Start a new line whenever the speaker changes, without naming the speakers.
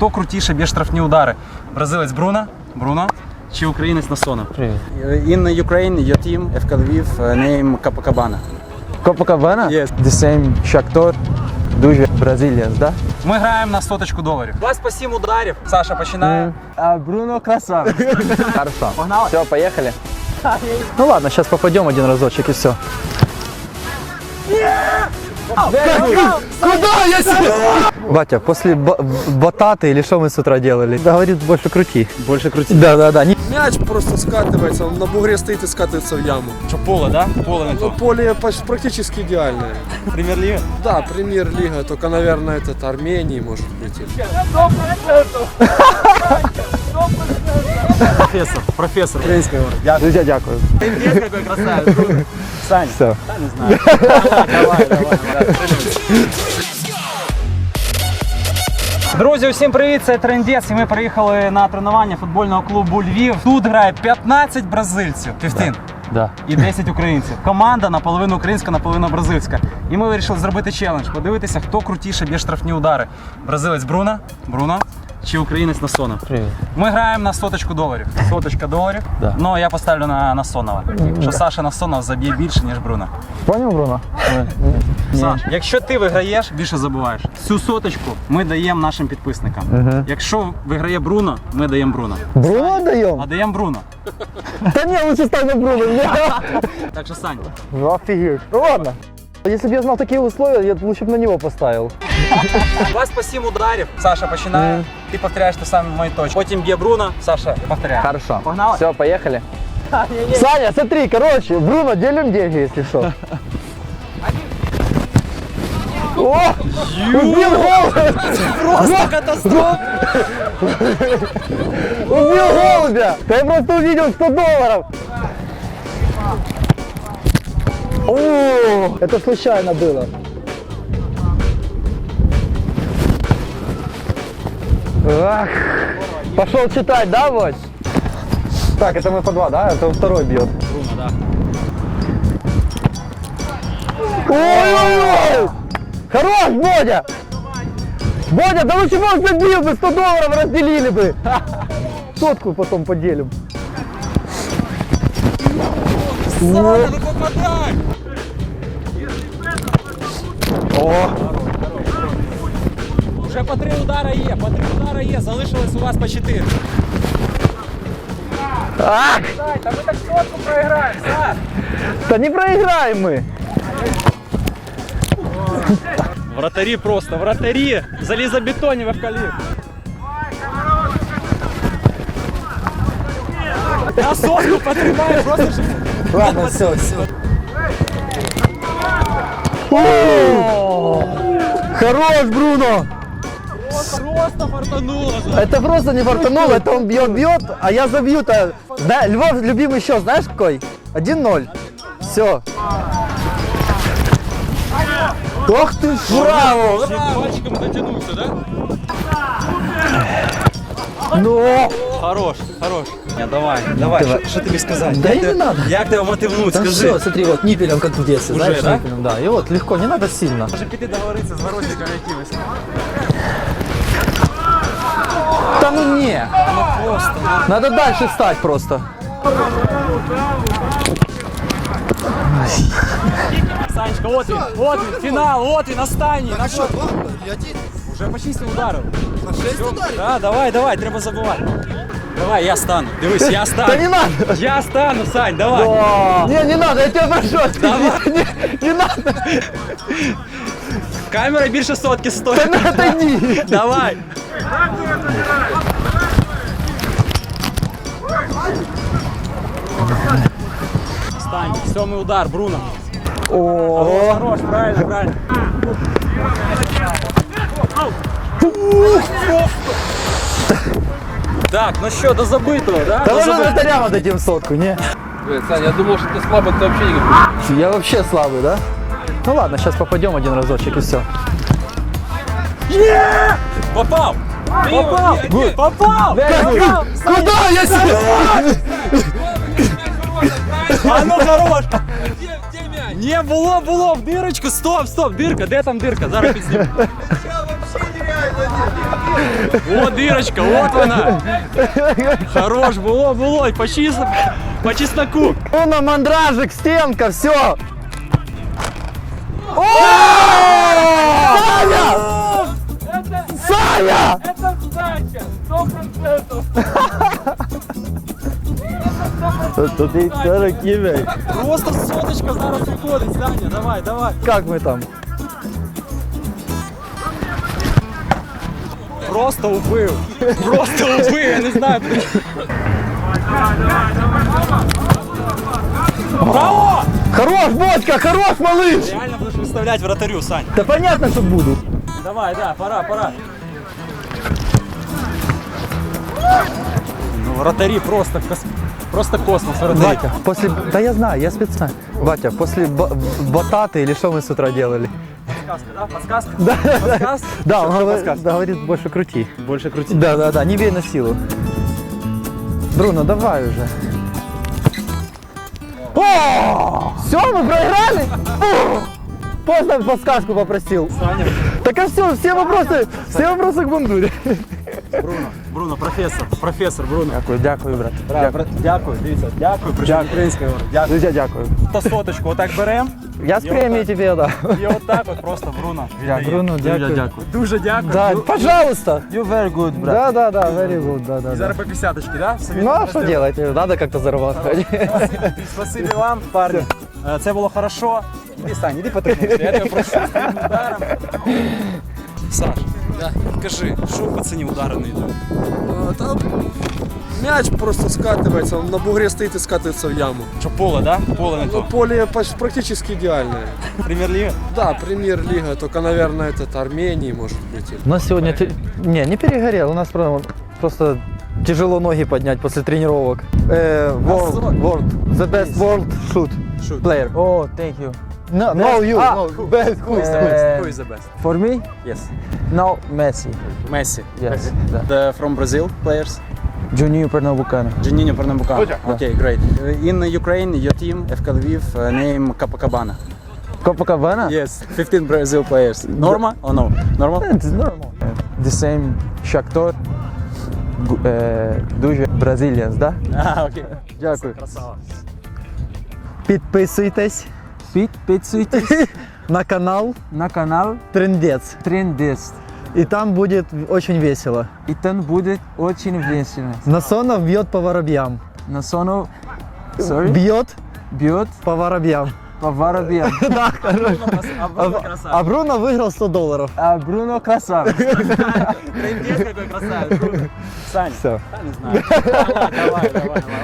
хто крутіше б'є штрафні удари. Бразилець Бруно чи українець Насонов? In Ukraine, your team, FK Lviv, name Copacabana.
Copacabana?
Yes.
The same Shakhtar, дуже Brazilians, да?
Ми граємо на $100,000. У вас по 7 ударів. Саша починає.
А Бруно красавец. Хорошо.
Погнали.
Все, поехали. Ну ладно, сейчас попадем один разочек и все. Куда я себе? Батя, после бататы или что мы с утра делали? Да, говорит, больше крути.
Больше крути.
Да.
Мяч просто скатывается, он на бугре стоит и скатывается в яму.
Що поле, да? Поле не
Ну,
то.
поле практически идеальное.
Прем'єр-ліга?
Да, премьер-лига, только, наверное, этот Армении может прийти.
Професор.
Друзья, дякую.
Пиздец, какой красавец. Сань,
Все.
да, не знаю. Давай. Друзі, усім привіт, це Трендець, і ми приїхали на тренування футбольного клубу Львів. Тут грає 15 бразильців, 15,
Да.
і 10 українців. Команда наполовину українська, наполовину бразильська. І ми вирішили зробити челендж, подивитися, хто крутіше б'є штрафні удари. Бразилець Бруно чи українець Насонов?
Привет.
Ми граємо на $100,000. $100,000,
Да.
але я поставлю на Насонова. Що Саша Насонов заб'є більше, ніж Бруно.
Понял, Бруно?
Саш, якщо ти виграєш, більше забуваєш. Цю $100,000 ми даємо нашим підписникам. Якщо виграє Бруно, ми даємо Бруно.
Бруно даем?
А даємо Бруно.
Да не, лучше ставь на Бруно.
Так що, Сань,
Офигеть. Ну ладно. Если бы я знал такие условия, я лучше бы на него поставил.
у вас по 7 ударів. Саша починає, ти повторяєш те саме мої точки. Потім б'є Бруно, Саша повторяє.
Хорошо.
Погнали?
Все, поехали. Саня, смотри, короче, Бруно, делим деньги, если что. О! Убил голубя!
Просто катастрофа!
Убил голубя! Да я просто увидел $100. О, это случайно было. Ах. Пошел читать, да, Вось? Так, это мы по 2, да? Это он второй бьет.
Бруно, да.
Ой-ой-ой! Хорош, Бодя! Бодя, да лучше бы он забил бы, $100 разделили бы. Сотку потом поделим.
Саша, ну попадай!
О!
Вже по 3 удара є, залишилось у вас по 4.
Ах!
Сань, та ми так сотку програємо, Саш!
Да не проиграем мы!
Вратарі просто, вратарі! Залізобетонні вовкалів! Я сотку потримаю, просто ж...
Ладно, все. Хорош, Бруно!
Просто фартануло!
Это просто не фартануло, это он бьет, а я забью-то. Да, Львов любимый счет, знаешь какой? 1-0. Все. Ох ты, браво!
Пальчиком дотянувся, да?
Ну!
Хорош. Давай, що тобі сказати?
Да и не надо.
Як тебе мотивнуть,
Да
скажи?
все, смотри, вот ниппелем как в детстве,
Уже,
знаешь,
да?
ниппелем, да. И вот легко, не надо сильно.
Може піти договоритися з воротником якимось?
Да ну не!
Просто.
Надо дальше встать просто.
Санечка, от він, фінал, от він, останній. На що? Уже по 6 ударів. По 6 ударів? Так, давай, треба забувати. Давай, я стану. Дивись, я стану.
Да не надо!
Я стану, Сань, давай.
Не надо, я тебя прошу.
Давай.
Не надо.
Камера більше сотки стоїть.
Да отойди.
Давай. Стань, 7-й удар, Бруно.
О,
Хорош, правильно. Так, ну що, до забитого, да?
да
До
можно
забитого.
вратарям отдадим сотку, не?
Саня, я думал, что ты слабый, ты вообще не говоришь.
Я вообще слабый, да? Ну ладно, сейчас попадем один разочек и все.
Попав! Попав!
Куда я себе?
А ну хорош! Не, було, в дирочку, стоп, дирка, де там дирка? Зараз підсніму. Вот дырочка, вот она. Хорош, было, по чесноку.
Бруно, мандражик, стенка, все. Саня!
Это сдача, 100%.
Просто соточка зараз виходить, Саня, давай.
Как мы там?
Просто убив, я не знаю. Браво!
Хорош, Бодька, хорош, малыш!
Реально будешь выставлять вратарю, Сань.
Да понятно, что буду.
Давай, да, пора. Ну, вратари просто космос, вратари.
Батя, после... Да я знаю, я специально. Батя, после бататы или что мы с утра делали?
Подсказка?
Да,
Подсказка?
да, он
Что
говорит,
подсказка?
говорит, больше крути.
Больше крути.
Да, не бей на силу. Бруно, давай уже. О! Все, мы проиграли? Поздно подсказку попросил.
Саня.
Так а все вопросы к бандуре.
Бруно, професор, Бруно.
Дякую, брат.
Дякую, дивіться, дякую, причому українською мовою. Дякую.
Друзья, дякую.
Та соточку отак беремо.
Я с премией тебе, да.
І отак от просто Бруно. віддає.
Бруно, дякую.
Дуже дякую.
Да, пожалуйста.
You very good, брат.
Да, very good, да.
Зараз по 50-очки, да? Собі
Ну а
так
что
зробимо?
делать? Надо как-то зарабатывать.
Спасибі вам, парні. Це було хорошо. Іди, Сань, іди потренуйся, я тебе прошу. З тим ударом. Саш, кажи, що в пацані удари не йдуть?
Там мяч просто скатывается, он на бугре стоит и скатывается в яму.
Що поле, да? Поле не
Ну,
то.
поле практически идеальное.
Прем'єр-ліга?
Да, премьер-лига, только, наверное, этот Армении может быть.
У нас сегодня... Не перегорел, у нас просто тяжело ноги поднять после тренировок. World, the best world shoot player.
Oh, thank you.
No, you, best.
Who is the best? Who is the best?
For me,
Yes.
now Messi.
Messi.
Yes.
From Brazil players?
Juninho Pernambucano.
Juninho Pernambucano. Okay, great. In Ukraine, your team, FK Lviv, name Copacabana.
Copacabana?
Yes, 15 Brazil players. Norma or no? Normal?
It's normal. The same Shakhtar, дуже Brazilians, да?
Окей.
Дякую.
Красава.
Підписуйтесь
Підписуйтесь
на канал
на канал
Трендец.
Трендест.
И там будет очень весело.
И там будет очень весело.
Насонов бьет по воробьям.
Насонов
Бьет
бьет
по воробьям.
по воробьям.
Да, хорошо.
Абруно красавец.
А Бруно выиграл $100.
А Бруно красавец.
Трендец какой красавец. Саня.
Все.
Не знаю. Давай.